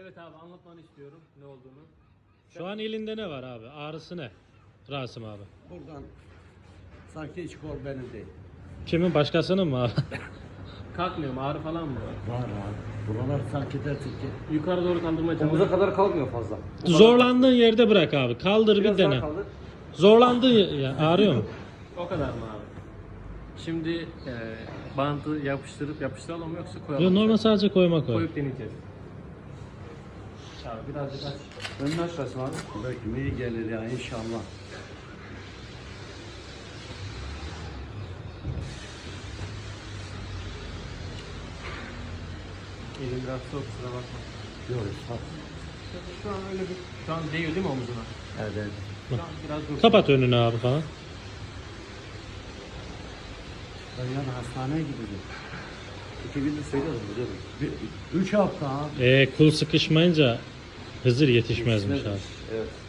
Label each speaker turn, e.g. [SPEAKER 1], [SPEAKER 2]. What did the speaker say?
[SPEAKER 1] Evet abi, anlatmanı istiyorum ne olduğunu.
[SPEAKER 2] Şu an elinde ne var abi? Ağrısı ne? Rasim abi.
[SPEAKER 3] Buradan sanki hiç kol benim değil.
[SPEAKER 2] Kimin, başkasının mı abi?
[SPEAKER 1] Kalkmıyor mu? Ağrı falan mı var?
[SPEAKER 3] Var. Buralar sanki dersin ki.
[SPEAKER 1] Yukarı doğru kaldırmaya
[SPEAKER 4] Omuza
[SPEAKER 1] çalışıyorum.
[SPEAKER 4] kadar kalkmıyor fazla.
[SPEAKER 2] Zorlandığın yerde bırak abi. Kaldır
[SPEAKER 4] Biraz
[SPEAKER 2] bir
[SPEAKER 4] daha
[SPEAKER 2] dene.
[SPEAKER 4] kaldır.
[SPEAKER 2] Zorlandığın ya ağrıyor mu?
[SPEAKER 1] O kadar mı abi? Şimdi bantı yapıştıralım mı yoksa koyalım
[SPEAKER 2] Yok,
[SPEAKER 1] mı?
[SPEAKER 2] normal sadece koyma koy.
[SPEAKER 1] Koyup deneyeceğiz. Abi birazcık aç.
[SPEAKER 4] Önünü aç Rasim abi.
[SPEAKER 3] Belki iyi gelir ya inşallah.
[SPEAKER 1] Elim biraz soğuk, kusura bakma.
[SPEAKER 3] Yok sağ.
[SPEAKER 1] Şu an öyle bir... Şu an değiyor değil mi omuzuna?
[SPEAKER 3] Evet.
[SPEAKER 1] Şu an biraz dur.
[SPEAKER 2] Kapat önünü abi falan.
[SPEAKER 3] Ben yani hastaneye gidiyorum.
[SPEAKER 4] 2 gündür söylüyorum biliyorum.
[SPEAKER 3] 3 hafta ha.
[SPEAKER 2] Kul sıkışmayınca Hızır yetişmezmiş abi.
[SPEAKER 4] Evet.